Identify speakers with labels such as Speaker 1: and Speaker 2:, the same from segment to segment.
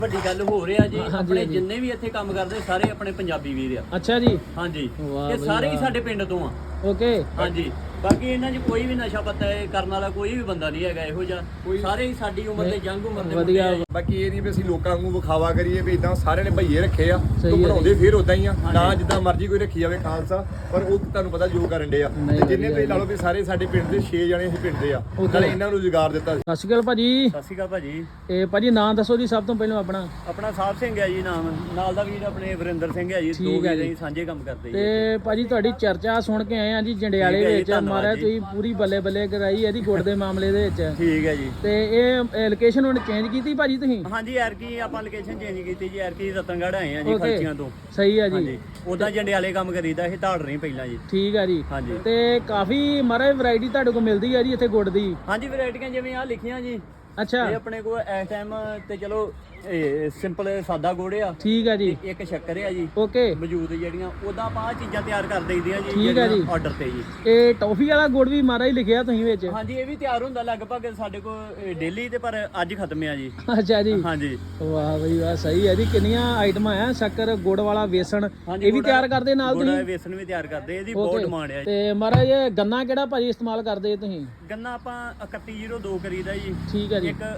Speaker 1: ਵੱਡੀ ਗੱਲ ਹੋ ਰਿਹਾ ਜੀ ਆਪਣੇ ਜਿੰਨੇ ਵੀ ਇੱਥੇ ਕੰਮ ਕਰਦੇ ਸਾਰੇ ਆਪਣੇ ਪੰਜਾਬੀ ਵੀਰ ਆ।
Speaker 2: ਅੱਛਾ ਜੀ।
Speaker 1: ਹਾਂਜੀ ਇਹ ਸਾਰੇ ਹੀ ਸਾਡੇ ਪਿੰਡ ਤੋਂ ਆ।
Speaker 2: ਓਕੇ
Speaker 1: ਹਾਂਜੀ ਬਾਕੀ ਇਹਨਾਂ 'ਚ ਕੋਈ ਵੀ ਨਸ਼ਾ ਪੱਤਾ ਕਰਨ ਵਾਲਾ ਕੋਈ ਵੀ ਬੰਦਾ ਨਹੀਂ ਹੈਗਾ ਇਹੋ ਜਿਹਾ। ਸਾਰੇ ਹੀ ਸਾਡੀ ਉਮਰ ਦੇ ਜੰਗ ਉਮਰ ਦੇ
Speaker 2: ਵਧੀਆ।
Speaker 3: ਬਾਕੀ ਇਹ ਨਹੀਂ ਵੀ ਅਸੀਂ ਲੋਕਾਂ ਨੂੰ ਵਿਖਾਵਾ ਕਰੀਏ ਵੀ ਇਦਾਂ ਸਾਰਿਆਂ ਨੇ ਭਈਏ ਰੱਖੇ ਆ ਤੋਂ ਬਣਾਉਂਦੇ ਫਿਰ ਉਦਾਂ ਹੀ ਆ ਨਾ ਜਿੱਦਾਂ ਮਰਜ਼ੀ ਕੋਈ ਰੱਖੀ ਜਾਵੇ ਖਾਲਸਾ ਪਰ ਉਹ ਤੁਹਾਨੂੰ ਪਤਾ ਜੋ ਕਰਨ ਦੇ ਆ ਤੇ ਜਿੰਨੇ ਤੁਸੀਂ ਲਾ ਲਓ ਵੀ ਸਾਰੇ ਸਾਡੇ ਪਿੰਡ ਦੇ 6 ਜਣੇ ਅਸੀਂ ਪਿੰਡ ਦੇ ਆ ਨਾਲੇ ਇਹਨਾਂ ਨੂੰ ਰੁਜ਼ਗਾਰ ਦਿੱਤਾ ਸੀ।
Speaker 2: ਸਤਿ ਸ਼੍ਰੀ ਅਕਾਲ ਭਾਜੀ।
Speaker 1: ਸਤਿ ਸ਼੍ਰੀ ਅਕਾਲ ਭਾਜੀ।
Speaker 2: ਇਹ ਭਾਜੀ ਨਾਮ ਦੱਸੋ ਜੀ ਸਭ ਤੋਂ ਪਹਿਲਾਂ ਆਪਣਾ।
Speaker 1: ਆਪਣਾ ਸਾਹਿਬ ਸਿੰਘ ਹੈ ਜੀ ਨਾਮ, ਨਾਲ ਦਾ ਵੀਰ ਆਪਣੇ ਵਰਿੰਦਰ ਸਿੰਘ ਹੈ ਜੀ। ਦੋ ਵੀਰ ਅਸੀਂ ਸਾਂਝੇ ਕੰਮ ਕਰਦੇ ਜੀ।
Speaker 2: ਤੇ ਭਾਜੀ ਤੁਹਾਡੀ ਚਰਚਾ ਸੁਣ ਕੇ ਆਏ ਆ ਜੀ ਜੰਡਿਆਲੇ ਵਿੱਚ ਮਾਰਿਆ ਤੁਸੀਂ ਪੂਰੀ ਬੱਲੇ ਬੱਲੇ ਕਰਾਈ ਇਹਦੀ ਗੁੜ ਦੇ ਮਾਮਲੇ ਦੇ ਵਿੱਚ।
Speaker 1: ਠੀਕ ਹੈ ਜੀ।
Speaker 2: ਤੇ ਇਹ ਲੋਕੇਸ਼ਨ ਹੁਣ ਚੇਂਜ ਕੀਤੀ ਭਾਜੀ ਤੁਸੀਂ?
Speaker 1: ਹਾਂਜੀ ਐਰਕੀ ਆਪਾਂ ਲੋਕੇਸ਼ਨ ਚੇਂਜ ਕੀਤੀ ਜੀ। ਐਰਕੀ ਰਤਨਗੜ੍ਹ ਆਏ ਆ ਜੀ ਖਰਚੀਆਂ ਤੋਂ।
Speaker 2: ਸਹੀ ਹੈ ਜੀ।
Speaker 1: ਉਦਾਂ ਜੰਡਿਆਲੇ ਕੰਮ ਕਰੀਦਾ ਇਹ ਧਾੜ ਰਹੀ ਪਹਿਲਾਂ ਜੀ।
Speaker 2: ਠੀਕ ਹੈ ਜੀ।
Speaker 1: ਹਾਂਜੀ
Speaker 2: ਤੇ ਕਾਫੀ ਮਾਰੇ ਵੈਰਾਈਟੀ ਤੁਹਾਡੇ ਕੋਲ ਮਿਲਦੀ ਹੈ ਜੀ ਇੱਥੇ ਗੁੜ ਦੀ?
Speaker 1: ਹਾਂਜੀ ਵੈਰਾਈਟੀਆਂ ਜਿਵੇਂ ਆ ਲਿਖੀਆਂ ਜੀ।
Speaker 2: ਅੱਛਾ
Speaker 1: ਇਹ ਆਪਣੇ ਕੋਲ ਇਸ ਟਾਈਮ ਤੇ ਚਲੋ ਸਿੰਪਲ ਸਾਦਾ ਗੁੜ ਆ।
Speaker 2: ਠੀਕ ਹੈ ਜੀ।
Speaker 1: ਇੱਕ ਸ਼ੱਕਰ ਆ ਜੀ
Speaker 2: ਓਕੇ
Speaker 1: ਮੌਜੂਦ ਜਿਹੜੀਆਂ ਉਦਾਂ ਆਪਾਂ ਆ ਚੀਜ਼ਾਂ ਤਿਆਰ ਕਰ ਦਈਦੀਆਂ ਜੀ।
Speaker 2: ਠੀਕ ਹੈ ਜੀ।
Speaker 1: ਆਰਡਰ ਤੇ ਜੀ।
Speaker 2: ਇਹ ਟੌਫੀ ਵਾਲਾ ਗੁੜ ਵੀ ਮਾਰਾ ਹੀ ਲਿਖਿਆ ਤੁਸੀਂ ਵਿੱਚ?
Speaker 1: ਹਾਂਜੀ ਇਹ ਵੀ ਤਿਆਰ ਹੁੰਦਾ ਲਗਭਗ ਸਾਡੇ ਕੋਲ ਡੇਲੀ ਤੇ ਪਰ ਅੱਜ ਖਤਮ ਆ ਜੀ।
Speaker 2: ਅੱਛਾ ਜੀ।
Speaker 1: ਹਾਂਜੀ
Speaker 2: ਵਾਹ ਬਈ ਵਾਹ ਸਹੀ ਹੈ ਜੀ। ਕਿੰਨੀਆਂ ਆਈਟਮਾਂ ਆ? ਸ਼ੱਕਰ ਗੁੜ ਵਾਲਾ ਵੇਸਣ ਇਹ ਵੀ ਤਿਆਰ ਕਰਦੇ ਨਾਲ
Speaker 1: ਗੁੜ
Speaker 2: ਤੁਸੀਂ?
Speaker 1: ਵੇਸਣ ਵੀ ਤਿਆਰ ਕਰਦੇ ਇਹਦੀ ਬਹੁਤ ਡਿਮਾਂਡ ਆ।
Speaker 2: ਤੇ ਮਹਾਰਾਜ ਇਹ ਗੰਨਾ ਕਿਹੜਾ ਭਾਜੀ ਇਸਤੇਮਾਲ ਕਰਦੇ ਤੁਸੀਂ?
Speaker 1: ਗੰਨਾ ਆਪਾਂ 3102 ਕਰੀਦਾ ਜੀ।
Speaker 2: ਠੀਕ ਹੈ ਜੀ।
Speaker 1: ਇੱਕ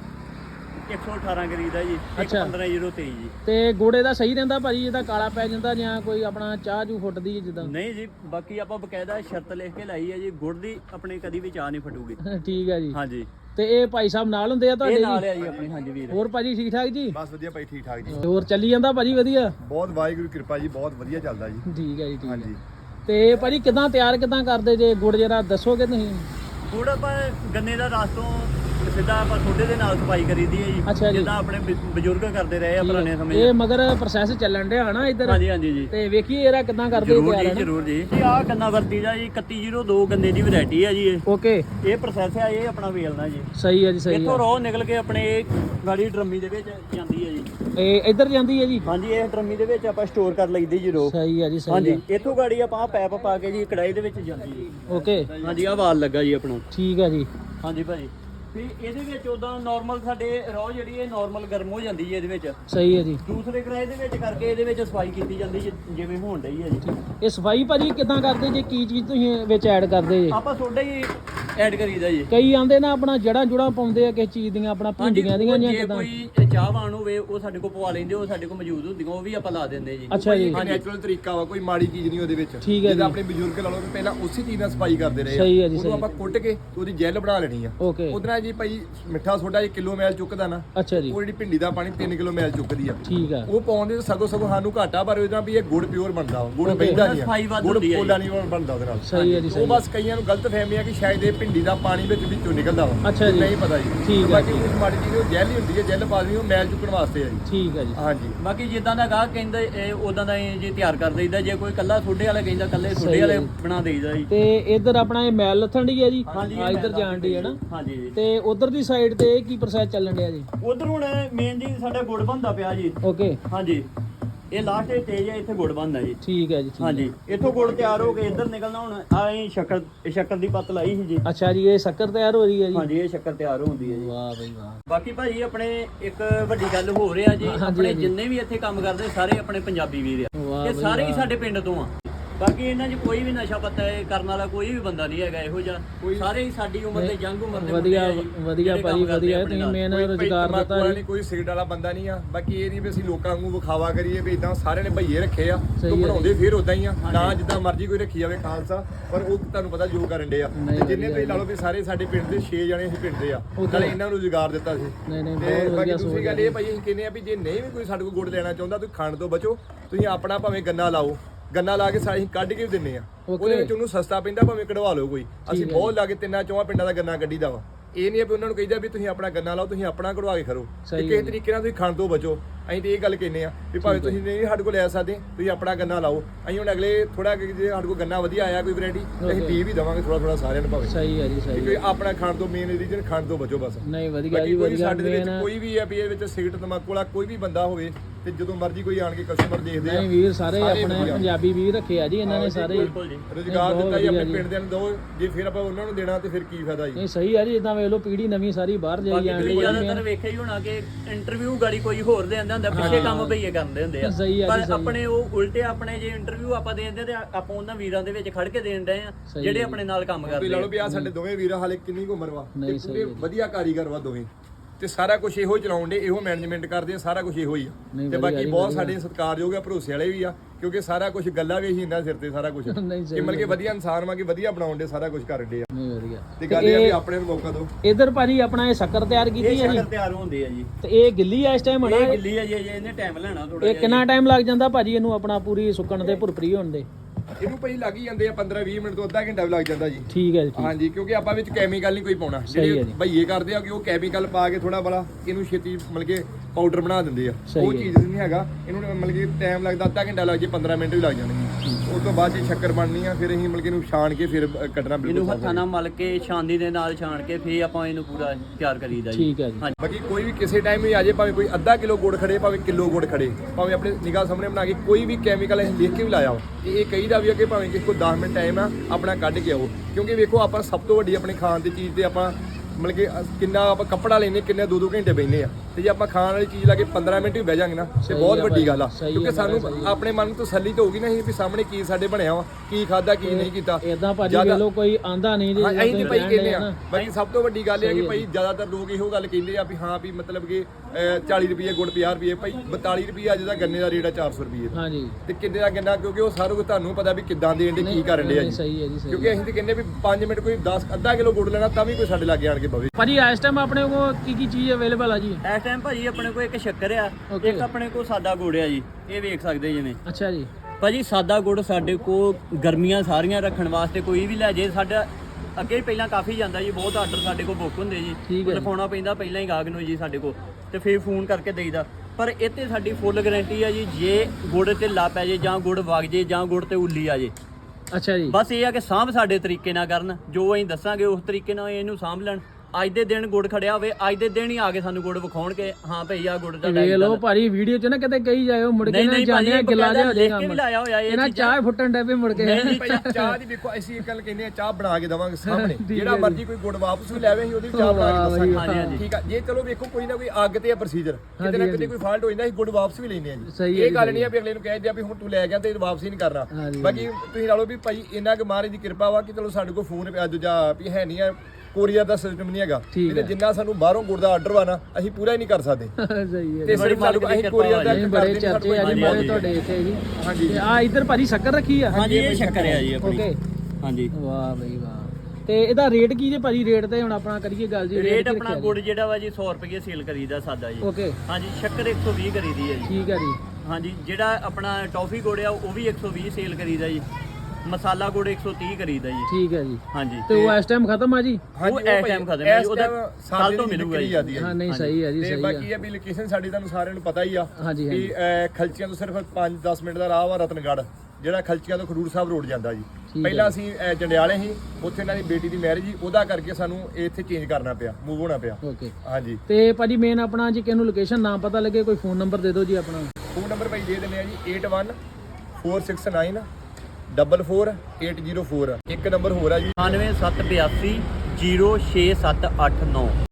Speaker 1: 118 ਕਰੀਦਾ ਜੀ। ਇੱਕ 1503 ਜੀ।
Speaker 2: ਤੇ ਗੁੜੇ ਦਾ ਸਹੀ ਰਹਿੰਦਾ ਭਾਜੀ ਜਿਹਦਾ ਕਾਲਾ ਪੈ ਜਾਂਦਾ ਜਾਂ ਕੋਈ ਆਪਣਾ ਚਾਹ ਜੂ ਫੁੱਟਦੀ ਜਿੱਦਾਂ?
Speaker 1: ਨਹੀਂ ਜੀ ਬਾਕੀ ਆਪਾਂ ਬਕਾਇਦਾ ਸ਼ਰਤ ਲਿਖ ਕੇ ਲਾਈ ਹੈ ਜੀ ਗੁੜ ਦੀ ਆਪਣੇ ਕਦੀ ਵੀ ਚਾਹ ਨਹੀਂ ਫਟੂਗੀ।
Speaker 2: ਠੀਕ ਹੈ ਜੀ।
Speaker 1: ਹਾਂਜੀ
Speaker 2: ਤੇ ਇਹ ਭਾਈ ਸਾਹਿਬ ਨਾਲ ਹੁੰਦੇ ਆ ਤੁਹਾਡੇ?
Speaker 1: ਇਹ ਨਾਲ ਆ ਜੀ ਆਪਣੇ। ਹਾਂਜੀ ਵੀਰ।
Speaker 2: ਹੋਰ ਭਾਜੀ ਠੀਕ ਠਾਕ ਜੀ?
Speaker 3: ਬਸ ਵਧੀਆ ਭਾਈ ਠੀਕ ਠਾਕ ਜੀ।
Speaker 2: ਹੋਰ ਚੱਲੀ ਜਾਂਦਾ ਭਾਜੀ ਵਧੀਆ?
Speaker 3: ਬਹੁਤ ਵਾਹਿਗੁਰੂ ਕਿਰਪਾ ਜੀ ਬਹੁਤ ਵਧੀਆ ਚੱਲਦਾ ਜੀ।
Speaker 2: ਠੀਕ ਹੈ ਜੀ। ਠੀਕ ਹੈ।
Speaker 3: ਹਾਂਜੀ
Speaker 2: ਤੇ ਭਾਜੀ ਕਿਦਾਂ ਤਿਆਰ ਕਿਦਾਂ ਕਰਦੇ ਜੇ ਗੁੜ ਜਰਾ ਦੱਸੋਗੇ ਤੁਸੀਂ?
Speaker 1: ਗੁੜ ਆਪਾਂ ਗੰਨੇ ਦਾ ਰਸ ਤੋਂ ਸਿੱਧਾ ਆਪਾਂ ਸੋਡੇ ਦੇ ਨਾਲ ਸਫਾਈ ਕਰੀਦੀ ਹੈ
Speaker 2: ਅੱਛਾ
Speaker 1: ਜੀ।
Speaker 2: ਜੀ।
Speaker 1: ਜਿੱਦਾਂ ਆਪਣੇ ਬਜ਼ੁਰਗ ਕਰਦੇ ਰਹੇ ਆ ਪੁਰਾਣੇ ਸਮੇਂ
Speaker 2: ਇਹ ਮਗਰ ਪ੍ਰੋਸੈਸ ਚੱਲਣ ਡਿਆ ਹਨਾ ਇੱਧਰ?
Speaker 1: ਹਾਂਜੀ ਹਾਂਜੀ ਜੀ।
Speaker 2: ਤੇ ਵੇਖੀਏ ਇਹਦਾ ਕਿਦਾਂ ਕਰਦੇ
Speaker 1: ਜ਼ਰੂਰ
Speaker 2: ਤਿਆਰ
Speaker 1: ਜੀ
Speaker 2: ਹੈ ਨਾ?
Speaker 1: ਜ਼ਰੂਰ ਜੀ। ਇਹ ਆ ਗੰਨਾ ਵਰਤੀਦਾ ਜੀ 3102 ਗੰਨੇ ਦੀ ਵੈਰਾਈਟੀ ਹੈ ਜੀ।
Speaker 2: ਓਕੇ
Speaker 1: ਇਹ ਪ੍ਰੋਸੈਸ ਆ ਇਹ ਆਪਣਾ ਵੇਲਣਾ ਜੀ।
Speaker 2: ਸਹੀ ਹੈ ਜੀ। ਸਹੀ
Speaker 1: ਇੱਥੋਂ
Speaker 2: ਹੈ।
Speaker 1: ਰੋ ਨਿਕਲ ਕੇ ਆਪਣੇ ਗਾੜੀ ਡਰਮੀ ਦੇ ਵਿੱਚ ਜਾਂਦੀ ਹੈ ਜੀ।
Speaker 2: ਇਹ ਇੱਧਰ ਜਾਂਦੀ ਹੈ ਜੀ?
Speaker 1: ਹਾਂਜੀ ਇਹ ਡਰਮੀ ਦੇ ਵਿੱਚ ਆਪਾਂ ਸਟੋਰ ਕਰ ਲਈਦੀ ਜੀ ਰੋ।
Speaker 2: ਸਹੀ ਹੈ ਜੀ। ਸਹੀ
Speaker 1: ਹਾਂਜੀ
Speaker 2: ਹੈ।
Speaker 1: ਇੱਥੋਂ ਗਾੜੀ ਆਪਾਂ ਪੈਪ ਪਾ ਕੇ ਜੀ ਕੜਾਈ ਦੇ ਵਿੱਚ ਜਾਂਦੀ ਹੈ।
Speaker 2: ਓਕੇ
Speaker 1: ਹਾਂਜੀ ਆ ਵਾਲ ਲੱਗਾ ਜੀ ਆਪਣਾ।
Speaker 2: ਠੀਕ ਹੈ ਜੀ।
Speaker 1: ਹਾਂਜੀ ਭਾਜੀ। ਤੇ ਇਹਦੇ ਵਿੱਚ ਉਦਾਂ ਨਾਰਮਲ ਸਾਡੇ ਰੋ ਜਿਹੜੀ ਇਹ ਨਾਰਮਲ ਗਰਮ ਹੋ ਜਾਂਦੀ ਹੈ ਇਹਦੇ ਵਿੱਚ।
Speaker 2: ਸਹੀ ਹੈ ਜੀ।
Speaker 1: ਦੂਸਰੇ ਕੜਾਈ ਦੇ ਵਿੱਚ ਕਰਕੇ ਇਹਦੇ ਵਿੱਚ ਸਫਾਈ ਕੀਤੀ ਜਾਂਦੀ ਜਿਵੇਂ ਹੋਣ ਡਈ ਹੈ ਜੀ।
Speaker 2: ਇਹ ਸਫਾਈ ਭਾਜੀ ਕਿਦਾਂ ਕਰਦੇ ਜੇ? ਕੀ ਚੀਜ਼ ਤੁਸੀਂ ਵਿੱਚ ਐਡ ਕਰਦੇ ਜੇ?
Speaker 1: ਆਪਾਂ ਸੋਡਾ ਹੀ ਐਡ ਕਰੀਦਾ ਜੀ।
Speaker 2: ਕਈ ਆਂਦੇ ਨਾ ਆਪਣਾ ਜੜਾਂ ਜੁੜਾਂ ਪਾਉਂਦੇ ਆ ਕਿਸੇ ਚੀਜ਼ ਦੀਆਂ ਆਪਣਾ ਭਿੰਡੀਆਂ ਦੀਆਂ ਜਾਂ
Speaker 1: ਜੇ
Speaker 2: ਕਿਦਾਂ?
Speaker 1: ਕੋਈ ਚਾਹਵਾਨ ਹੋਵੇ ਉਹ ਸਾਡੇ ਕੋਲ ਪਵਾ ਲੈਂਦੇ ਉਹ ਸਾਡੇ ਕੋਲ ਮੌਜੂਦ ਹੁੰਦੀਆਂ ਉਹ ਵੀ ਆਪਾਂ ਲਾ ਦਿੰਦੇ ਜੀ।
Speaker 2: ਅੱਛਾ ਜੀ।
Speaker 3: ਨੈਚੁਰਲ ਤਰੀਕਾ ਵਾ ਕੋਈ ਮਾੜੀ ਚੀਜ਼ ਨਹੀਂ ਉਹਦੇ ਵਿੱਚ।
Speaker 2: ਠੀਕ ਹੈ
Speaker 3: ਜਿੱਦਾਂ ਆਪਣੇ ਬਜ਼ੁਰਗ ਲਾ ਲਓ ਵੀ ਪਹਿਲਾਂ ਉਸੇ ਚੀਜ਼ ਨਾਲ ਸਫਾਈ ਕਰਦੇ ਰਹੇ ਆ।
Speaker 2: ਸਹੀ ਹੈ ਜੀ।
Speaker 3: ਉਹਨੂੰ ਆਪਾਂ ਕੁੱਟ ਕੇ ਤੇ ਉਹਦੀ ਜੈਲ ਬਣਾ ਲੈਣੀ ਆ।
Speaker 2: ਓਕੇ
Speaker 3: ਉਧਰਾਂ ਜੀ ਭਾਈ ਮਿੱਠਾ ਸੋਡਾ 1 ਕਿਲੋ ਮੈਲ ਚੁੱਕਦਾ ਨਾ
Speaker 2: ਅੱਛਾ ਜੀ।
Speaker 3: ਉਹ ਜਿਹੜੀ ਭਿੰਡੀ ਦਾ ਪਾਣੀ 3 ਕਿਲੋ ਮੈਲ ਚੁੱਕਦੀ ਆ।
Speaker 2: ਠੀਕ ਆ।
Speaker 3: ਉਹ ਪਾਉਂਦੇ ਸਗੋਂ ਸਾਨੂੰ ਘਾਟਾ ਪਰ ਉਹਦਾ ਵੀ ਇਹ ਗੁੜ ਪਿਓਰ ਬਣਦਾ ਗੁੜ ਬੈਂਦਾ ਨਹੀਂ
Speaker 1: ਸਫਾਈ ਵੱਧ
Speaker 3: ਗੁੜ
Speaker 1: ਹੁੰਦੀ ਹੈ
Speaker 3: ਪੋਲਾ ਨਹੀਂ ਬਣਦਾ ਉਹਦੇ ਨਾਲ।
Speaker 2: ਸਹੀ ਹੈ ਜੀ।
Speaker 3: ਉਹ ਬਸ ਕਈਆਂ ਨੂੰ ਗਲਤ ਫਹਿਮੀ ਆ ਕਿ ਸ਼ਾਇਦ ਇਹ ਭਿੰਡੀ ਦਾ ਪਾਣੀ ਵਿੱਚੋਂ ਨਿਕਲਦਾ ਵਾ।
Speaker 2: ਅੱਛਾ ਜੀ।
Speaker 3: ਨਹੀਂ ਪਤਾ ਜੀ।
Speaker 2: ਠੀਕ ਹੈ।
Speaker 3: ਬਾਕੀ ਉਸ ਮਾੜੀ ਚੀਜ਼ ਉਹ ਜੈਲ ਹੀ ਹੁੰਦੀ ਹੈ। ਜੈਲ ਪਾ ਦਿੰਦੀ ਉਹ ਮੈਲ ਚੁੱਕਣ ਵਾਸਤੇ ਆ ਜੀ।
Speaker 2: ਠੀਕ ਹੈ ਜੀ।
Speaker 3: ਹਾਂਜੀ
Speaker 1: ਬਾਕੀ ਜਿੱਦਾਂ ਦਾ ਗਾਹਕ ਕਹਿੰਦਾ ਉਦਾਂ ਦਾ ਜੀ ਤਿਆਰ ਕਰ ਦਈਦਾ। ਜੇ ਕੋਈ ਕੱਲਾ ਸੋਡੇ ਵਾਲਾ ਕਹਿੰਦਾ ਕੱਲੇ ਸੋਡੇ ਵਾਲੇ ਬਣਾ ਦੇਈਦਾ ਜੀ।
Speaker 2: ਤੇ ਇੱਧਰ ਆਪਣਾ ਇਹ ਮੈਲ ਲੱਥਣ ਦੀ ਹੈ ਜੀ?
Speaker 1: ਹਾਂਜੀ
Speaker 2: ਆ ਇੱਧਰ ਜਾਣ ਦੀ ਹੈ ਨਾ?
Speaker 1: ਹਾਂਜੀ ਜੀ।
Speaker 2: ਤੇ ਉਧਰ ਦੀ ਸਾਈਡ ਤੇ ਕੀ ਪ੍ਰੋਸੈਸ ਚੱਲਣ ਡਿਆ ਜੀ?
Speaker 1: ਉਧਰ ਹੁਣ ਮੇਨ ਜੀ ਸਾਡਾ ਗੁੜ ਬਣਦਾ ਪਿਆ ਜੀ।
Speaker 2: ਓਕੇ
Speaker 1: ਹਾਂਜੀ ਇਹ ਲਾਸਟ ਸਟੇਜ ਹੈ ਇੱਥੇ ਗੁੜ ਬਣਦਾ ਜੀ।
Speaker 2: ਠੀਕ ਹੈ ਜੀ। ਠੀਕ
Speaker 1: ਹਾਂਜੀ ਇੱਥੋਂ ਗੁੜ ਤਿਆਰ ਹੋ ਕੇ ਇੱਧਰ ਨਿਕਲਣਾ। ਹੁਣ ਆਏ ਸ਼ੱਕਰ ਦੀ ਪੱਤ ਲਾਈ ਸੀ ਜੀ।
Speaker 2: ਅੱਛਾ ਜੀ। ਇਹ ਸ਼ੱਕਰ ਤਿਆਰ ਹੋ ਰਹੀ ਹੈ ਜੀ?
Speaker 1: ਹਾਂਜੀ ਇਹ ਸ਼ੱਕਰ ਤਿਆਰ ਹੁੰਦੀ ਹੈ ਜੀ।
Speaker 2: ਵਾਹ ਬਈ ਵਾਹ।
Speaker 1: ਬਾਕੀ ਭਾਜੀ ਆਪਣੇ ਇੱਕ ਵੱਡੀ ਗੱਲ ਹੋ ਰਿਹਾ ਜੀ ਆਪਣੇ ਜਿੰਨੇ ਵੀ ਇੱਥੇ ਕੰਮ ਕਰਦੇ ਸਾਰੇ ਆਪਣੇ ਪੰਜਾਬੀ ਵੀਰ ਆ।
Speaker 2: ਵਾਹ
Speaker 1: ਇਹ ਸਾਰੇ ਹੀ ਸਾਡੇ ਪਿੰਡ ਤੋਂ ਆ। ਬਾਕੀ ਇਹਨਾਂ 'ਚ ਕੋਈ ਵੀ ਨਸ਼ਾ ਪੱਤਾ ਕਰਨ ਵਾਲਾ ਕੋਈ ਵੀ ਬੰਦਾ ਨਹੀਂ ਹੈਗਾ ਇਹੋ ਜਿਹਾ। ਸਾਰੇ ਹੀ ਸਾਡੀ ਉਮਰ ਦੇ ਜੰਗ ਉਮਰ ਦੇ
Speaker 2: ਵਧੀਆ ਵਧੀਆ ਭਾਜੀ ਵਧੀਆ। ਤੁਸੀਂ ਮੇਨ ਰੁਜ਼ਗਾਰ ਦਿੱਤਾ ਜੀ।
Speaker 3: ਨਹੀਂ ਕੋਈ ਸਿਗਰਟ ਵਾਲਾ ਬੰਦਾ ਨਹੀਂ ਆ। ਬਾਕੀ ਇਹ ਨਹੀਂ ਵੀ ਅਸੀਂ ਲੋਕਾਂ ਨੂੰ ਵਿਖਾਵਾ ਕਰੀਏ ਵੀ ਇਦਾਂ ਸਾਰਿਆਂ ਨੇ ਭਈਏ ਰੱਖੇ ਆ ਤੋਂ ਬਣਾਉਂਦੇ ਫਿਰ ਉਦਾਂ ਹੀ ਆ ਨਾ ਜਿੱਦਾਂ ਮਰਜ਼ੀ ਕੋਈ ਰੱਖੀ ਜਾਵੇ ਖਾਲਸਾ ਪਰ ਉਹ ਤੁਹਾਨੂੰ ਪਤਾ ਜੋ ਕਰਨ ਦੇ ਆ ਤੇ ਜਿੰਨੇ ਤੁਸੀਂ ਲਾ ਲਓ ਵੀ ਸਾਰੇ ਸਾਡੇ ਪਿੰਡ ਦੇ 6 ਜਣੇ ਅਸੀਂ ਪਿੰਡ ਦੇ ਆ ਨਾਲੇ ਇਹਨਾਂ ਨੂੰ ਰੁਜ਼ਗਾਰ ਦਿੱਤਾ ਸੀ।
Speaker 2: ਨਹੀਂ ਨਹੀਂ
Speaker 3: ਤੇ
Speaker 2: ਬਹੁਤ
Speaker 3: ਬਾਕੀ
Speaker 2: ਵਧੀਆ
Speaker 3: ਦੂਸਰੀ ਗੱਲ ਇਹ ਭਾਈ ਅਸੀਂ ਕਹਿੰਦੇ ਆ ਵੀ ਜੇ ਨਹੀਂ ਵੀ ਕੋਈ ਸਾਡੇ ਕੋਲ ਗੁੜ ਲੈਣਾ ਚਾਹੁੰਦਾ ਤੁਸੀਂ ਖਾਣ ਤੋਂ ਬਚੋ। ਤੁਸੀਂ ਆਪਣਾ ਭਾਵੇਂ ਗੰਨਾ ਲਾਓ। ਗੰਨਾ ਲਾ ਕੇ ਅਸੀਂ ਕੱਢ ਕੇ ਵੀ ਦਿੰਨੇ ਆ। ਉਹਦੇ ਵਿੱਚ ਉਹਨੂੰ ਸਸਤਾ ਪੈਂਦਾ ਭਾਵੇਂ ਕਢਵਾ ਲਓ ਕੋਈ। ਅਸੀਂ ਬਹੁਤ ਲਾ ਕੇ 3-4 ਪਿੰਡਾਂ ਦਾ ਗੰਨਾ ਕੱਢੀਦਾ ਵਾ। ਇਹ ਨਹੀਂ ਆ ਵੀ ਉਹਨਾਂ ਨੂੰ ਕਹੀਦਾ ਵੀ ਤੁਸੀਂ ਆਪਣਾ ਗੰਨਾ ਲਾਓ ਤੁਸੀਂ ਆਪਣਾ ਕਢਵਾ ਕੇ ਖਰੋ। ਕਿਸੇ ਤਰੀਕੇ ਨਾਲ ਤੁਸੀਂ ਖਾਣ ਤੋਂ ਬਚੋ। ਅਸੀਂ ਤੇ ਇਹ ਗੱਲ ਕਹਿੰਦੇ ਆ ਵੀ ਭਾਵੇਂ ਤੁਸੀਂ ਨਹੀਂ ਸਾਡੇ ਕੋਲ ਲੈ ਸਕਦੇ ਤੁਸੀਂ ਆਪਣਾ ਗੰਨਾ ਲਾਓ। ਅਸੀਂ ਹੁਣ ਅਗਲੇ ਥੋੜਾ ਜੇ ਸਾਡੇ ਕੋਲ ਗੰਨਾ ਵਧੀਆ ਆਇਆ ਕੋਈ ਵੈਰਾਈਟੀ ਅਸੀਂ ਪੀ ਵੀ ਦੇਵਾਂਗੇ ਥੋੜਾ ਸਾਰਿਆਂ ਨੂੰ ਭਾਵੇਂ।
Speaker 2: ਸਹੀ ਹੈ ਜੀ। ਸਹੀ
Speaker 3: ਕਿਉਂਕਿ ਆਪਣਾ ਖਾਣ ਤੋਂ ਮੇਨ ਰੀਜਨ ਖਾਣ ਤੋਂ ਬਚੋ ਬਸ।
Speaker 2: ਨਹੀਂ ਵਧੀਆ ਜੀ।
Speaker 3: ਕੋਈ ਸਾਡੇ ਦੇ ਵਿੱਚ ਕੋਈ ਵੀ ਆ ਵੀ ਇਹ ਵਿੱਚ ਸਿਗਰਟ ਤੰਬਾਕੂ ਵਾਲਾ ਕੋਈ ਵੀ ਬੰਦਾ ਹੋਵੇ ਤੇ ਜਦੋਂ ਮਰਜ਼ੀ ਕੋਈ ਆਣ ਕੇ ਕਸਟਮਰ ਦੇਖਦੇ ਆ
Speaker 2: ਨਹੀਂ ਵੀਰ ਸਾਰੇ ਆਪਣੇ ਪੰਜਾਬੀ ਵੀਰ ਰੱਖੇ ਆ ਜੀ ਇਹਨਾਂ ਨੇ ਸਾਰੇ
Speaker 1: ਬਿਲਕੁਲ ਜੀ
Speaker 3: ਰੁਜ਼ਗਾਰ ਦਿੱਤਾ ਜੀ ਆਪਣੇ ਪਿੰਡ ਦੇ ਨੂੰ ਦੋ ਜੇ ਫਿਰ ਆਪਾਂ ਉਹਨਾਂ ਨੂੰ ਦੇਣਾ ਤੇ ਫਿਰ ਕੀ ਫਾਇਦਾ ਜੀ
Speaker 2: ਨਹੀਂ ਸਹੀ ਆ ਜੀ ਇਦਾਂ ਵੇਖ ਲਓ ਪੀੜੀ ਨਵੀਂ ਸਾਰੀ ਬਾਹਰ ਜਾਈ ਜਾਂਦੀ
Speaker 1: ਜ਼ਿਆਦਾਤਰ ਵੇਖਿਆ ਹੀ ਹੋਣਾ ਕਿ ਇੰਟਰਵਿਊ ਗਾੜੀ ਕੋਈ ਹੋਰ ਦੇ ਆਂਦਾ ਹੁੰਦਾ ਪਿੱਛੇ ਕੰਮ ਭਈਏ ਕਰਦੇ ਹੁੰਦੇ ਆ
Speaker 2: ਸਹੀ ਆ
Speaker 1: ਪਰ ਆਪਣੇ ਉਹ ਉਲਟੇ ਆਪਣੇ ਜੇ ਇੰਟਰਵਿਊ ਆਪਾਂ ਦੇਂਦੇ ਤੇ ਆਪਾਂ ਉਹਨਾਂ ਵੀਰਾਂ ਦੇ ਵਿੱਚ ਖੜ ਕੇ ਦੇਣ ਰਹੇ ਆ ਜਿਹੜੇ ਆਪਣੇ ਨਾਲ ਕੰਮ
Speaker 3: ਵੀ
Speaker 1: ਕਰਦੇ
Speaker 3: ਲਾ
Speaker 1: ਆ
Speaker 3: ਲਓ ਵੀ ਆ ਸਾਡੇ ਦੋਵੇਂ ਵੀਰ ਹਾਲੇ ਕਿੰਨੀ ਕੁ ਉਮਰ ਵਾ ਤੇ
Speaker 2: ਨਹੀਂ,
Speaker 3: ਪੂਰੇ ਵਧੀਆ ਕਾਰੀਗਰ ਵਾ ਦੋਵੇਂ ਤੇ ਸਾਰਾ ਕੁਝ ਇਹੋ ਹੀ ਚਲਾਉਣ ਦੇ ਇਹੋ ਮੈਨੇਜਮੈਂਟ ਕਰਦੇ ਆ ਸਾਰਾ ਕੁਝ ਇਹੋ ਹੀ ਆ
Speaker 2: ਨਹੀਂ,
Speaker 3: ਤੇ
Speaker 2: ਵਧੀਆ
Speaker 3: ਬਾਕੀ
Speaker 2: ਜੀ,
Speaker 3: ਬਹੁਤ ਸਾਡੇ ਸਤਿਕਾਰਯੋਗ ਆ ਭਰੋਸੇ ਵਾਲੇ ਵੀ ਆ ਕਿਉਂਕਿ ਸਾਰਾ ਕੁਝ ਗੱਲਾਂ ਵੀ ਅਸੀਂ ਇਹਨਾਂ ਸਿਰ ਤੇ ਸਾਰਾ ਕੁਝ
Speaker 2: ਨਹੀਂ
Speaker 3: ਕਿ ਮਤਲਬ ਕਿ ਵਧੀਆ ਇਨਸਾਨ ਵਾ ਕਿ ਵਧੀਆ ਬਣਾਉਣ ਦੇ ਸਾਰਾ ਕੁਝ ਕਰਨ ਦੇ ਆ
Speaker 2: ਨਹੀਂ ਵਧੀਆ
Speaker 3: ਤੇ ਗੱਲ ਇਹ ਆ ਵੀ ਆਪਣੇ ਨੂੰ ਮੌਕਾ ਦਿਓ
Speaker 2: ਇਧਰ ਭਾਜੀ ਆਪਣਾ ਇਹ ਸ਼ੱਕਰ ਤਿਆਰ ਕੀਤੀ
Speaker 1: ਇਹ
Speaker 2: ਹੈ ਜੀ
Speaker 1: ਸ਼ੱਕਰ ਤਿਆਰ ਹੁੰਦੇ ਆ ਜੀ
Speaker 2: ਤੇ ਇਹ ਗਿੱਲੀ ਆ ਇਸ ਟਾਈਮ ਹਨਾ
Speaker 1: ਇਹ ਗਿੱਲੀ ਆ ਜੀ ਇਹਨੇ ਟਾਈਮ ਲੈਣਾ ਥੋੜਾ
Speaker 2: ਇਹ ਕਿੰਨਾ ਟਾਈਮ ਲੱਗ ਜਾਂਦਾ ਭਾਜੀ ਇਹਨੂੰ ਆਪਣਾ ਪੂਰੀ ਸੁੱਕਣ ਤੇ ਭੁਰਪਰੀ ਹੋਣ ਦੇ
Speaker 3: ਇਹਨੂੰ ਭਾਈ ਲੱਗ ਹੀ ਜਾਂਦੇ ਆ 15-20 ਮਿੰਟ ਤੋਂ ਅੱਧਾ ਘੰਟਾ ਵੀ ਲੱਗ ਜਾਂਦਾ ਜੀ
Speaker 2: ਠੀਕ ਹੈ ਜੀ ਠੀਕ।
Speaker 3: ਹਾਂਜੀ ਕਿਉਂਕਿ ਆਪਾਂ ਵਿੱਚ ਕੈਮੀਕਲ ਨਹੀਂ ਕੋਈ ਪਾਉਣਾ ਜਿਹੜੇ ਭਈਏ ਕਰਦੇ ਆ ਕਿ ਉਹ ਕੈਮੀਕਲ ਪਾ ਕੇ ਥੋੜਾ ਬੜਾ ਇਹਨੂੰ ਛੇਤੀ ਮਤਲਬ ਕਿ ਪਾਊਡਰ ਬਣਾ ਦਿੰਦੇ ਆ ਉਹ ਚੀਜ਼ ਨਹੀਂ ਹੈਗਾ ਇਹਨੂੰ ਮਤਲਬ ਕਿ ਟਾਈਮ ਲੱਗਦਾ ਅੱਧਾ ਘੰਟਾ ਲੱਗ ਜੇ 15 ਮਿੰਟ ਵੀ ਲੱਗ ਜਾਣਗੇ ਉਸ ਤੋਂ ਬਾਅਦ ਜੇ ਸ਼ੱਕਰ ਬਣਨੀ ਆ ਫਿਰ ਅਸੀਂ ਮਤਲਬ ਕਿ ਇਹਨੂੰ ਛਾਣ ਕੇ ਫਿਰ ਕੱਢਣਾ
Speaker 1: ਇਹਨੂੰ ਹੱਥਾਂ ਨਾਲ ਮਲ ਕੇ ਛਾਂਦੀ ਦੇ ਨਾਲ ਛਾਣ ਕੇ ਫੇਰ ਆਪਾਂ ਇਹਨੂੰ ਪੂਰਾ ਤਿਆਰ ਕਰੀਦਾ ਜੀ
Speaker 2: ਠੀਕ ਹੈ ਜੀ
Speaker 3: ਬਾਕੀ ਕੋਈ ਵੀ ਕਿਸੇ ਟਾਈਮ ਵੀ ਆ ਜੇ ਭਾਵੇਂ ਕੋਈ ਅੱਧਾ ਕਿਲੋ ਗੁੜ ਖੜੇ ਭਾਵੇਂ ਕਿਲੋ ਗੁੜ ਖੜੇ ਭਾਵੇਂ ਆਪਣੇ ਨਿਗਾਹ ਸਾਹਮਣੇ ਬਣਾ ਕੇ ਕੋਈ ਵੀ ਕੈਮੀਕਲ ਅਸੀਂ ਲਿਖ ਕੇ ਵੀ ਲਾਇਆ ਵਾ ਤੇ ਇਹ ਕਹੀਦਾ ਵੀ ਆ ਕਿ ਭਾਵੇਂ ਕਿਸੇ ਕੋਲ 10 ਮਿੰਟ ਟਾਈਮ ਆ ਆਪਣਾ ਕੱਢ ਕੇ ਆਓ ਕਿਉਂਕਿ ਵੇਖੋ ਆਪਾਂ ਸਭ ਤੋਂ ਵੱਡੀ ਆਪਣੀ ਖਾਣ ਦੀ ਚੀਜ਼ ਤੇ ਆਪਾਂ ਮਤਲਬ ਕਿ ਕਿੰਨਾ ਆਪਾਂ ਕੱਪੜਾ ਲੈਨੇ ਕਿੰਨੇ 2-2 ਘੰਟੇ ਬੈਠਨੇ ਆ ਤੇ ਜੇ ਆਪਾਂ ਖਾਣ ਵਾਲੀ ਚੀਜ਼ ਲਾ ਕੇ 15 ਮਿੰਟ ਵੀ ਬਹਿ ਜਾਾਂਗੇ ਨਾ ਤੇ ਬਹੁਤ ਵੱਡੀ ਗੱਲ ਆ ਕਿਉਂਕਿ ਸਾਨੂੰ ਆਪਣੇ ਮਨ ਨੂੰ ਤਸੱਲੀ ਤਾਂ ਹੋਊਗੀ ਨਾ ਵੀ ਸਾਹਮਣੇ ਕੀ ਸਾਡੇ ਬਣਿਆ ਵਾ ਕੀ ਖਾਦਾ ਕੀ ਨਹੀਂ ਕੀਤਾ
Speaker 2: ਇਦਾਂ ਭਾਜੀ ਵੇਖ ਲਓ ਕੋਈ ਆਂਦਾ ਨਹੀਂ ਜੀ
Speaker 3: ਅਸੀਂ ਨਹੀਂ ਭਾਈ ਕਹਿੰਦੇ ਆ ਬਾਕੀ ਸਭ ਤੋਂ ਵੱਡੀ ਗੱਲ ਇਹ ਆ ਕਿ ਭਾਈ ਜ਼ਿਆਦਾਤਰ ਲੋਕ ਇਹੋ ਗੱਲ ਕਹਿੰਦੇ ਆ ਵੀ ਹਾਂ ਵੀ ਮਤਲਬ ਕਿ 40 ਰੁਪਏ ਗੁੜ 50 ਰੁਪਏ ਭਾਈ 42 ਰੁਪਏ ਅੱਜ ਦਾ ਗੰਨੇ ਦਾ ਰੇਟ ਆ 400 ਰੁਪਏ
Speaker 2: ਹਾਂਜੀ
Speaker 3: ਤੇ ਕਿੰਨੇ ਦਾ ਗੰਨਾ ਕਿਉਂਕਿ ਉਹ ਸਾਰਾ ਕੁਝ ਤੁਹਾਨੂੰ ਪਤਾ ਵੀ ਕਿੱਦਾਂ ਦੇਣ ਦੇ ਕੀ ਕਰਨ ਦੇ ਆ ਜੀ
Speaker 2: ਸਹੀ ਹੈ ਜੀ ਸਹੀ
Speaker 3: ਕਿਉਂਕਿ ਅਸੀਂ ਤੇ ਕਹਿੰਦੇ ਵੀ 5 ਮਿੰਟ ਕੋਈ 10 ਅੱਧਾ ਕਿਲੋ ਗੁੜ ਲੈਣਾ ਤਾਂ ਵੀ ਕੋਈ ਸਾਡੇ ਲਾਗੇ ਆਣ ਕੇ ਬਵੇ
Speaker 2: ਭਾਜੀ ਇਸ ਟਾਈਮ ਆਪਣੇ ਕੋਲ ਕੀ ਚੀਜ਼ ਅਵੇਲੇਬਲ ਆ ਜੀ
Speaker 1: ਇਸ ਟਾਈਮ ਭਾਜੀ ਆਪਣੇ ਕੋਲ ਇੱਕ ਸ਼ੱਕਰ ਆ ਇੱਕ ਆਪਣੇ ਕੋਲ ਸਾਦਾ ਗੁੜ ਆ ਜੀ ਇਹ ਵੇਖ ਸਕਦੇ ਜਿਵੇਂ
Speaker 2: ਅੱਛਾ ਜੀ
Speaker 1: ਭਾਜੀ ਸਾਦਾ ਗੁੜ ਸਾਡੇ ਕੋਲ ਗਰਮੀਆਂ ਸਾਰੀਆਂ ਰੱਖਣ ਵਾਸਤੇ ਕੋਈ ਵੀ ਲੈ ਜੇ ਸਾਡਾ ਅੱਗੇ ਹੀ ਪਹਿਲਾਂ ਕਾਫੀ ਜਾਂਦਾ ਜੀ ਬਹੁਤ ਆਰਡਰ ਸਾਡੇ ਕੋਲ ਬੁੱਕ ਹੁੰਦੇ ਜੀ ਲਿਖਾਉਣਾ ਪੈਂਦਾ ਪਹਿਲਾਂ ਹੀ ਗਾਹਕ ਨੂੰ ਜੀ ਸਾਡੇ ਕੋਲ ਤੇ ਫਿਰ ਫੋਨ ਕਰਕੇ ਦੇਈਦਾ ਪਰ ਇਹ ਤੇ ਸਾਡੀ ਫੁੱਲ ਗਾਰੰਟੀ ਆ ਜੀ ਜੇ ਗੁੜ ਤੇ ਲਾ ਪੈ ਜੇ ਜਾਂ ਗੁੜ ਵਗ ਜੇ ਜਾਂ ਗੁੜ ਤੇ ਉੱਲੀ ਆ ਜੇ
Speaker 2: ਅੱਛਾ ਜੀ
Speaker 1: ਬਸ ਇਹ ਆ ਕਿ ਸਾਂਭ ਸਾਡੇ ਤਰੀਕੇ ਨਾਲ ਕਰਨ ਜੋ ਅਸੀਂ ਦੱਸਾਂਗੇ ਉਸ ਤਰੀਕੇ ਨਾਲ ਇਹਨੂੰ ਸਾਂਭ ਲੈਣ ਅੱਜ ਦੇ ਦਿਨ ਗੁੜ ਖੜਿਆ ਹੋਵੇ ਅੱਜ ਦੇ ਦਿਨ ਹੀ ਆ ਕੇ ਸਾਨੂੰ ਗੁੜ ਵਿਖਾਉਣ ਕੇ ਹਾਂ ਭਈ ਆ ਗੁੜ ਦਾ
Speaker 2: ਵੇਖ ਲਓ ਭਾਜੀ ਵੀਡੀਓ ਚ ਨਾ ਕਿਤੇ ਕਹੀ ਜਾਇਓ ਮੁੜ ਕੇ ਨਾ ਜਾਣਿਆ ਗਿਲਾ ਜਿਹਾ ਹੋ ਜਾਏਗਾ
Speaker 1: ਵੀ ਲਾਇਆ ਹੋਇਆ
Speaker 2: ਇਹਨਾਂ ਚਾਹ ਫੁੱਟਣ ਡੇ ਪਏ ਮੁੜ ਕੇ
Speaker 3: ਚਾਹ ਦੀ ਦੇਖੋ ਅਸੀਂ ਇੱਕ ਗੱਲ ਕਹਿੰਦੇ ਆ ਚਾਹ ਬਣਾ ਕੇ ਦਵਾਂਗੇ ਸਾਹਮਣੇ ਜਿਹੜਾ ਮਰਜ਼ੀ ਕੋਈ ਗੁੜ ਵਾਪਸ ਵੀ ਲੈਵੇ ਅਸੀਂ ਉਹਦੀ ਵੀ ਚਾਹ ਬਣਾ ਕੇ ਦੱਸਾਂਗੇ ਠੀਕ ਆ ਜੇ ਚਲੋ ਵੇਖੋ ਕੋਈ ਨਾ ਕੋਈ ਅੱਗ ਤੇ ਆ ਪ੍ਰੋਸੀਜਰ ਕਿਤੇ ਨਾ ਕਿਤੇ ਕੋਈ ਫਾਲਟ ਹੋ ਜਾਂਦਾ ਅਸੀਂ ਗੁੜ ਵਾਪਸ ਵੀ ਲੈਂਦੇ ਆ ਜੀ ਇਹ ਗੱਲ ਨਹੀਂ ਆ ਵੀ ਅਗਲੇ ਨੂੰ ਕਹਿ ਦਿਆ ਵੀ ਹੁਣ ਤੂੰ ਲੈ ਗਿਆ ਤੇ ਵਾਪਸ ਹੀ ਨਹੀਂ ਕਰਨਾ ਬਾਕੀ ਤੁਸੀਂ ਲਾ ਲਓ ਵੀ ਭਾਈ ਇੰਨਾ ਕੁ ਮਹਾਰਾਜ ਦੀ ਕਿਰਪਾ ਵਾ ਕਿ ਚਲੋ ਸਾਡੇ ਕੋਲ ਫੋਨ ਪਿਆ ਦੂਜਾ ਵੀ ਹੈ ਨਹੀਂ ਆ ਕੋਰੀਅਰ ਦਾ ਸਿਸਟਮ ਨਹੀਂ ਹੈਗਾ ਤੇ ਜਿੰਨਾ ਸਾਨੂੰ ਬਾਹਰੋਂ ਗੁੜ ਦਾ ਆਰਡਰ ਵਾ ਨਾ ਅਸੀਂ ਪੂਰਾ ਹੀ ਨਹੀਂ ਕਰ ਸਕਦੇ
Speaker 2: ਸਹੀ ਹੈ
Speaker 3: ਤੇ ਸਿਰਫ ਸਾਨੂੰ ਅਸੀਂ ਕੋਰੀਅਰ ਦਾ
Speaker 2: ਬੜੇ ਚਰਚੇ ਆ ਜੀ ਮਾਰੇ ਤੁਹਾਡੇ ਇੱਥੇ ਜੀ ਹਾਂਜੀ ਆ ਇੱਧਰ ਭਾਜੀ ਸ਼ੱਕਰ ਰੱਖੀ ਆ
Speaker 1: ਹਾਂਜੀ ਇਹ ਸ਼ੱਕਰ ਆ ਜੀ ਆਪਣੀ
Speaker 2: ਓਕੇ
Speaker 1: ਹਾਂਜੀ
Speaker 2: ਵਾਹ ਬਈ ਵਾਹ ਤੇ ਇਹਦਾ ਰੇਟ ਕੀ ਜੇ ਭਾਜੀ ਰੇਟ ਤੇ ਹੁਣ ਆਪਣਾ ਕਰੀਏ ਗੱਲ ਜੀ
Speaker 1: ਰੇਟ ਆਪਣਾ ਗੁੜ ਜਿਹੜਾ ਵਾ ਜੀ 100 ਰੁਪਏ ਸੇਲ ਕਰੀਦਾ ਸਾਦਾ ਜੀ
Speaker 2: ਓਕੇ
Speaker 1: ਹਾਂਜੀ ਸ਼ੱਕਰ 120 ਕਰੀਦੀ ਹੈ ਜੀ
Speaker 2: ਠੀਕ ਹੈ ਜੀ
Speaker 1: ਹਾਂਜੀ ਜਿਹੜਾ ਆਪਣਾ ਟੌਫੀ ਗੁੜ ਆ ਉਹ ਵੀ 120 ਸੇਲ ਕਰੀਦਾ ਜੀ ਮਸਾਲਾ ਗੁੜ 130 ਕਰੀਦਾ ਜੀ
Speaker 2: ਠੀਕ ਹੈ ਜੀ
Speaker 1: ਹਾਂਜੀ
Speaker 2: ਤੇ ਉਹ ਇਸ ਟਾਈਮ ਖਤਮ ਆ ਜੀ
Speaker 1: ਉਹ ਇਸ ਟਾਈਮ ਖਤਮ ਹੈ ਜੀ ਉਹਦਾ ਕੱਲ ਤੋਂ ਮਿਲੂਗਾ ਜੀ
Speaker 2: ਹਾਂ ਨਹੀਂ ਸਹੀ ਹੈ ਜੀ
Speaker 3: ਤੇ
Speaker 2: ਸਹੀ
Speaker 3: ਬਾਕੀ ਇਹ ਵੀ ਲੋਕੇਸ਼ਨ ਸਾਡੀ ਤੁਹਾਨੂੰ ਸਾਰਿਆਂ ਨੂੰ ਪਤਾ ਹੀ ਆ
Speaker 2: ਹਾਂਜੀ
Speaker 3: ਵੀ ਖਲਚੀਆਂ ਤੋਂ ਸਿਰਫ 5-10 ਮਿੰਟ ਦਾ ਰਾਹ ਵਾ ਰਤਨਗੜ੍ਹ ਜਿਹੜਾ ਖਲਚੀਆਂ ਤੋਂ ਖਡੂਰ ਸਾਹਿਬ ਰੋਡ ਜਾਂਦਾ ਜੀ ਪਹਿਲਾਂ ਅਸੀਂ ਜੰਡਿਆਲੇ ਸੀ ਉੱਥੇ ਇਹਨਾਂ ਦੀ ਬੇਟੀ ਦੀ ਮੈਰਿਜ ਸੀ ਉਹਦਾ ਕਰਕੇ ਸਾਨੂੰ ਇੱਥੇ ਚੇਂਜ ਕਰਨਾ ਪਿਆ ਮੂਵ ਹੋਣਾ ਪਿਆ
Speaker 2: ਓਕੇ
Speaker 3: ਹਾਂਜੀ
Speaker 2: ਤੇ ਭਾਜੀ ਮੇਨ ਆਪਣਾ ਜੇ ਕਿਸੇ ਨੂੰ ਲੋਕੇਸ਼ਨ ਨਾ ਪਤਾ ਲੱਗੇ ਕੋਈ ਫੋਨ ਨੰਬਰ ਦੇ ਦਿਓ ਜੀ ਆਪਣਾ
Speaker 3: ਫੋਨ ਨੰਬਰ ਭਾਈ ਦੇ ਦਿੰਦੇ ਆ ਜੀ 814669 44804 ਇੱਕ ਨੰਬਰ ਹੋਰ ਆ ਜੀ
Speaker 1: 9782 06789